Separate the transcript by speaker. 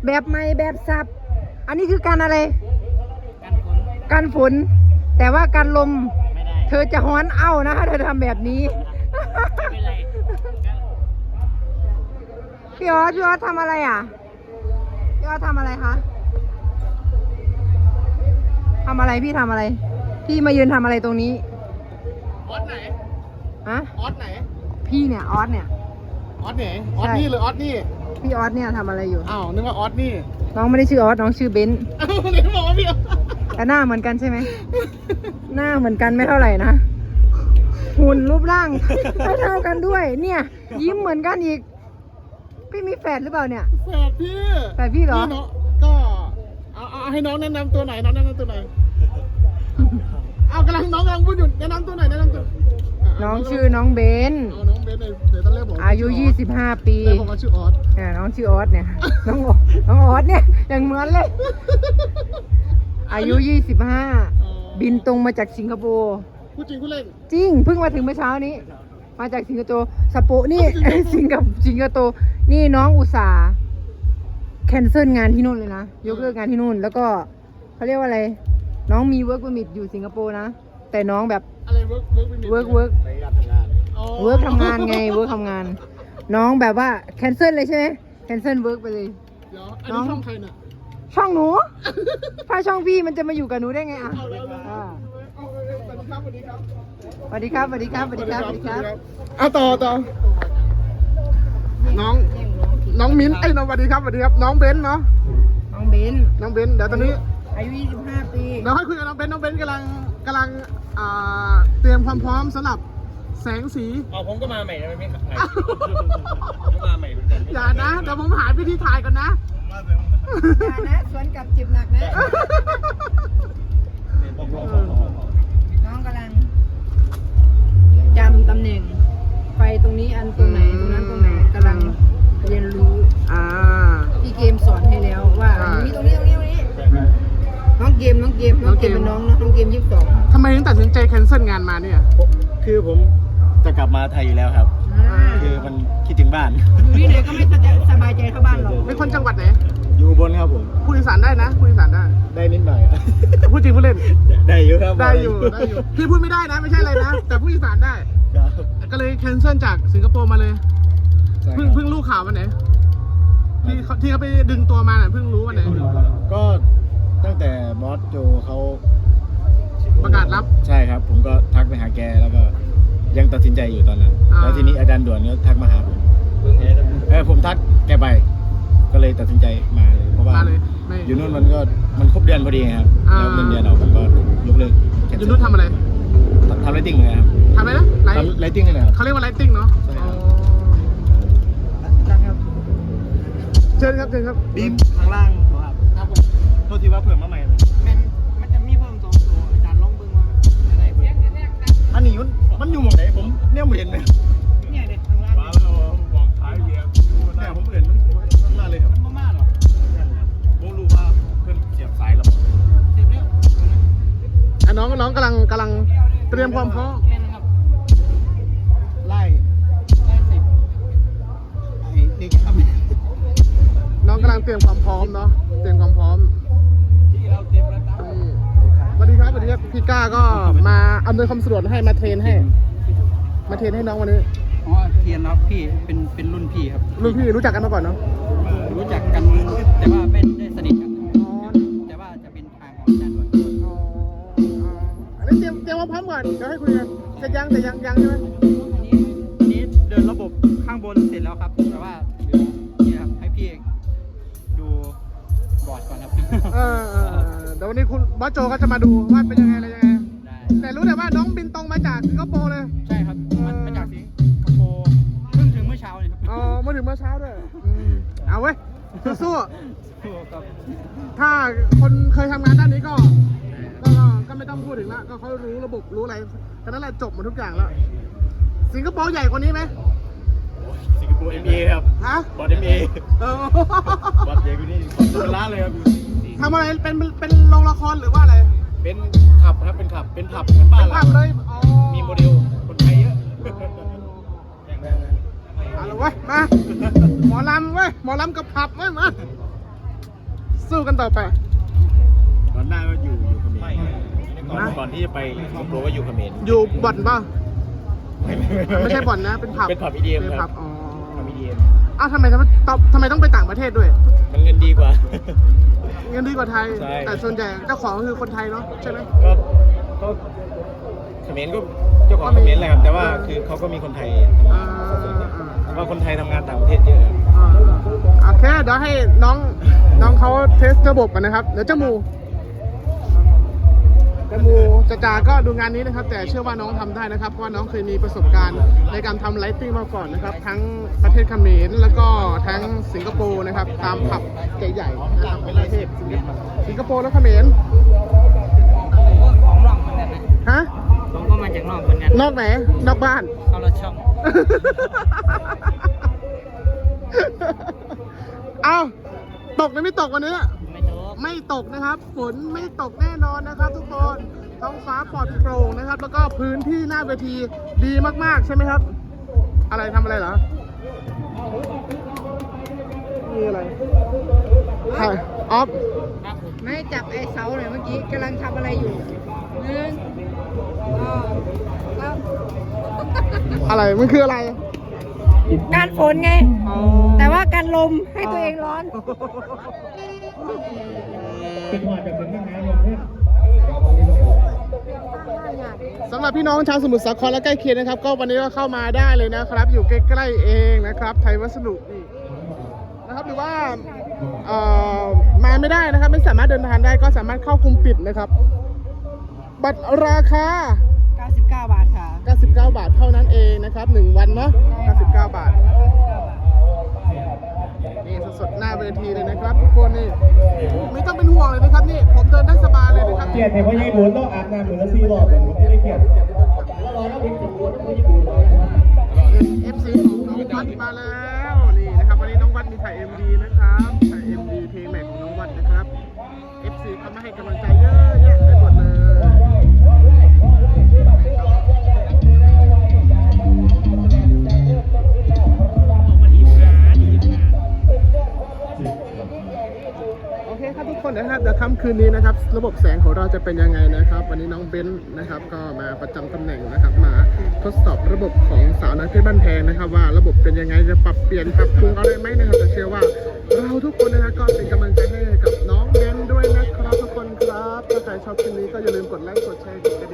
Speaker 1: แบบใหม่แบบสับอันนี้คือการอะไรการฝนแต่ว่าการลมเธอจะฮ้อนเอ้านะถ้าเธอทำแบบนี้พี่ออสทำอะไรอ่ะพี่ออสทำอะไรคะทำอะไรพี่ทำอะไรพี่มายืนทำอะไรตรงนี้
Speaker 2: ออสไหน
Speaker 1: ฮะ
Speaker 2: ออสไหน
Speaker 1: พี่เนี่ยออสเนี่ย
Speaker 2: ออสไหนออสนี่หรือออสนี่
Speaker 1: พี่ออสเนี่ยทำอะไรอยู่
Speaker 2: อ้าวนึกว่าออสนี่
Speaker 1: น้องไม่ได้ชื่อออสน้องชื่อเบนซ์
Speaker 2: เดี๋ยวบอกว่าพี่
Speaker 1: แต่หน้าเหมือนกันใช่ไหมหน้าเหมือนกันไม่เท่าไหร่นะหุ่นรูปร่างเท่ากันด้วยเนี่ยยิ้มเหมือนกันอีกพี่มีแฝดหรือเปล่าเนี่ย
Speaker 2: แฝดพี่
Speaker 1: แฝดพี่เหรอ
Speaker 2: ก็เอาให้น้องแนะนำตัวหน่อยน้องแนะนำตัวหน่อยเอากำลังพูดอยู่แนะนำตัวหน่อยแนะนำตัว
Speaker 1: น้องชื่อน้องเบน
Speaker 2: น้องเบนเดี๋ยวตอนแรกบอก
Speaker 1: อายุ25 ปี
Speaker 2: แต่ผมว่าชื่อออส
Speaker 1: น้องชื่อออสเนี่ยน้องออสเนี่ยยังเหมือนเลยอายุ25บินตรงมาจากสิงคโปร์
Speaker 2: พูดจริงพูดเล่น
Speaker 1: จริงเพิ่งมาถึงเมื่อเช้านี้มาจากสิงคโปร์สโปนี่สิงคโปร์นี่น้องอุตส่าห์แคนเซิลงานที่นู่นเลยนะยกเลิกงานที่นู่นแล้วก็เขาเรียกว่าอะไรน้องมีเวิร์กเปอร์มิทอยู่สิงคโปร์นะแต่น้องแบบ
Speaker 2: อะไรเวิร์ก
Speaker 1: ทำงานไงเวิร์กทำงานน้องแบบว่าแคนเซิลเลยใช่ไหมแคนเซิลเวิร์กไปเลย
Speaker 2: น้องช่องใครน่ะ
Speaker 1: ช่องหนูถ้าช่องพี่มันจะมาอยู่กับหนูได้ไงอ่ะสวัสดีครับ
Speaker 2: เอาต่อน้องมิ้นน้องสวัสดีครับน้องเบนเนาะ
Speaker 1: น้องเบน
Speaker 2: เดี๋ยวตอนนี้
Speaker 1: อายุ25 ปี
Speaker 2: เดี๋ยวให้คุยกับน้องเบนกำลังเตรียมความพร้อมสำหรับแสงสี
Speaker 3: ผมก็มาใหม่นะไม่ขายผมก็มาใหม่เหมือนกัน
Speaker 2: อย่านะเดี๋ยวผมหาวิธีถ่ายก่อนนะ
Speaker 1: อย่านะสวนกับจิบหนักนะน้องกำลังจำตำแหน่งไฟตรงนี้อันตรงไหนตรงนั้นตรงไหนกำลังเรียนรู้พี่เกมสอนให้แล้วว่าตรงนี้น้องเกมเป็นน้องนะน้องเกม22
Speaker 2: ทำไมถึงตัดสินใจแคนเซิลงานมาเนี่ย
Speaker 3: คือผมจะกลับมาไทยอยู่แล้วครับคือมันคิดถึงบ้าน
Speaker 1: อยู่ที่ไหนก็ไม่สบายใจเท่าบ้านเรา
Speaker 2: เป็นคนจังหวัดไหน
Speaker 3: อยู่อุบลครับผม
Speaker 2: พูดอีสานได้นะพูดอีสาน
Speaker 3: ได้นิดหน่อย
Speaker 2: พูดจริงพูดเล่น
Speaker 3: ได้อยู่ครับ
Speaker 2: ได้อยู่พี่พูดไม่ได้นะไม่ใช่อะไรนะแต่พูดอีสานได้ก็เลยแคนเซิลจากสิงคโปร์มาเลยเพิ่งรู้ข่าววันไหนที่เขาไปดึงตัวมาเพิ่งรู้วันไหน
Speaker 3: ก็ตั้งแต่บอสโจเขา
Speaker 2: ประกาศรับ
Speaker 3: ใช่ครับผมก็ทักไปหาแกแล้วก็ยังตัดสินใจอยู่ตอนนั้นแล้วทีนี้อาจารย์ด่วนก็ทักมาหาผมผมทักแกไปก็เลยตัดสินใจมาเลยเพราะว่าอยู่นู่นมันครบเดือนพอดีครับแล้วเงินเดือนเราผมก็ยกเลิก
Speaker 2: อยู่นู่นทำอะไร
Speaker 3: ทำไลติ้งเหมือนกันครับ
Speaker 2: ทำอะไรนะ
Speaker 3: ไลติ้งเลยครับ
Speaker 2: เขาเรียกว่าไลติ้งเนาะเชิญครับ
Speaker 3: บีมข้างล่างครับโทษทีว่าเผื่อมาใหม่
Speaker 1: มันจะมีเพิ่ม2 ตัวอาจารย์ลองเบิ่งว่าอะไร
Speaker 3: อันนี้มันอยู่หมองไหนผมเนี่ยไม่เห็นเลย
Speaker 1: เนี่ยเด็กข้างล่าง
Speaker 3: บอกท้ายเกียร์เนี่ยผมเห็นมันข้างล่างเลยครับ
Speaker 1: มันมาหรอ
Speaker 3: ผมรู้ว่าเพื่อนเสียบสายแล้ว
Speaker 1: เสียบแล้ว
Speaker 2: น้องกำลังเตรียมความพร้อม
Speaker 3: ไล่นี่ครับ
Speaker 2: น้องกำลังเตรียมความพร้อมเนาะเตรียมความพร้อมสวัสดีครับพี่ก้าก็มาอำนวยความสะดวกให้มาเทรนให้น้องวันนี้
Speaker 4: เทียนครับพี่เป็นรุ่นพี่ครับ
Speaker 2: รุ่นพี่รู้จักกันมาก่อนเนาะ
Speaker 4: รู้จักกันแต่ว่าไม่ได้สนิทกันแต่ว่าจะเป็นทางของอาจารย์ด่วน
Speaker 2: อันนี้เตรียมความพร้อมก่อนเดี๋ยวให้คุยกันจะยังใช่ไหม
Speaker 4: อันนี้เดินระบบข้างบนเสร็จแล้วครับแต่ว่านี่ครับให้พี่ดูบอร์ดก่อนครับ
Speaker 2: เดี๋ยววันนี้คุณบอสโจก็จะมาดูว่าเป็นยังไงอะไรยังไงแต่รู้แต่ว่าน้องบินตรงมาจากสิงคโปร์เลย
Speaker 4: ใช่ครับมาจากสิงคโปร์เพิ่งถึงเมื่อเช้าเลยครับ
Speaker 2: มาถึงเมื่อเช้าด้วยเอาเว้ยสู้ๆถ้าคนเคยทำงานด้านนี้ก็ไม่ต้องพูดถึงละก็เขารู้ระบบรู้อะไรฉะนั้นแหละจบหมดทุกอย่างแล้วสิงคโปร์ใหญ่กว่านี้ไหม
Speaker 3: สิงคโปร์ MA ครับบอส MA บอสใหญ่กว่านี้ตัวล้านเลยครับ
Speaker 2: ทำอะไรเป็นโรงละครหรือว่าอะไร
Speaker 3: เป็นขับครับเป็นผับเหมือนบ้านเรา
Speaker 2: เลย
Speaker 3: มีโมเดลคนไทยเยอะ
Speaker 2: เอาละเว้ยมาหมอลำเว้ยหมอลำกับผับเว้ยมาสู้กันต่อไป
Speaker 3: ก่อนหน้าก็อยู่เขมรก่อนที่จะไปสิงคโปร์ก็อยู่เขมร
Speaker 2: อยู่บ่อนป่ะไม่ใช่บ่อนนะ เป็นผับ
Speaker 3: เป็นผับ EDM
Speaker 2: เป็น
Speaker 3: ค
Speaker 2: ผั
Speaker 3: รั
Speaker 2: บบ อ๋อ
Speaker 3: ผับ EDM
Speaker 2: อ้าวทำไมต้องไปต่างประเทศด้วย
Speaker 3: มันเงินดีกว่า
Speaker 2: เงินดีกว่าไทย
Speaker 3: ใช่
Speaker 2: แต่ส่วนใหญ่เจ้าของก็คือคนไทยเนาะใช่ไหม
Speaker 3: ก็เขมรก็เจ้าของเขมรแหละครับ แต่ว่าคือเขาก็มีคนไทย
Speaker 2: อ่า
Speaker 3: เพราะว่าคนไทยทำงานต่างประเทศเยอะครับ
Speaker 2: โอเคเดี๋ยวให้น้องเขาเทสระบบกันนะครับ เดี๋ยวจมูจาก็ดูงานนี้นะครับ แต่เชื่อว่าน้องทำได้นะครับเพราะว่าน้องเคยมีประสบการณ์ในการทำไลติ้งมาก่อนนะครับ ทั้งประเทศเขมรแล้วก็ทั้งสิงคโปร์นะครับ ตามผับใหญ่ๆนะครับในประเทศสิงคโปร์และเขมร
Speaker 1: ของร่องเหมือนกันนะ
Speaker 2: ฮะ
Speaker 1: ผมก็มาจากนอกเหมือนกัน
Speaker 2: นอกไหนนอกบ้าน
Speaker 1: เขาละช่อง
Speaker 2: เอาตกหรือไม่ตกวันนี้
Speaker 1: ไม่ถูก
Speaker 2: ไม่ตกนะครับ ฝนไม่ตกแน่นอนนะครับ ทุกคนท้องฟ้าปลอดโปร่งนะครับ แล้วก็พื้นที่หน้าเวทีดีมากๆใช่ไหมครับ อะไรทำอะไรเหรอนี่อะไรถ่ายออฟ
Speaker 1: ไม่จับไอ้เสาหน่อยเมื่อกี้กำลังทำอะไรอยู่หนึ่งสอง
Speaker 2: อะไรมันคืออะไร
Speaker 1: การฝนไง แต่ว่าการลมให้ตัวเองร้อน
Speaker 2: สำหรับพี่น้องชาวสมุทรสาครและใกล้เคียงนะครับ ก็วันนี้ก็เข้ามาได้เลยนะครับ อยู่ใกล้ๆเองนะครับ ไทยวัสดุนี่นะครับหรือว่ามาไม่ได้นะครับ ไม่สามารถเดินทางได้ก็สามารถเข้ากลุ่มปิดนะครับ บัตรราคา
Speaker 1: 99 บาทค่ะ
Speaker 2: 99 บาทเท่านั้นเองนะครับ1วันเนาะ99 บาทนี่สดๆหน้าเวทีเลยนะครับทุกคนนี่ไม่ต้องเป็นห่วงเลยนะครับนี่ผมเดินได้สบายเลยนะครับ
Speaker 5: เกียรติเห็นว่าญี่ปุ่นต้องอาบน้ำเหมือนซีรอบผมไม่ได้เกียรติแล้วรอแล้วเป็นญี่ปุ่นต้องญี่ปุ่น
Speaker 2: FC ของน้องวัดมาแล้วนี่นะครับวันนี้น้องวัดมีถ่าย MV นะครับถ่าย MV เพลงใหม่ของน้องวัดนะครับ FC เขามาให้กำลังใจเยอะแยะไปหมดเลยโอเคครับทุกคนนะครับเดี๋ยวค่ำคืนนี้นะครับระบบแสงของเราจะเป็นยังไงนะครับ วันนี้น้องเบนซ์นะครับก็มาประจำตำแหน่งนะครับมาทดสอบระบบของสาวน้อยเพชรบ้านแพงนะครับ ว่าระบบเป็นยังไงจะปรับเปลี่ยนปรับปรุงอะไรไหมนะครับแต่เชื่อว่าเราทุกคนนะครับก็เป็นกำลังใจให้กับน้องเบนซ์ด้วยนะครับทุกคนครับถ้าใครชอบคลิปนี้ก็อย่าลืมกดไลค์กดแชร์กดกระดิ่ง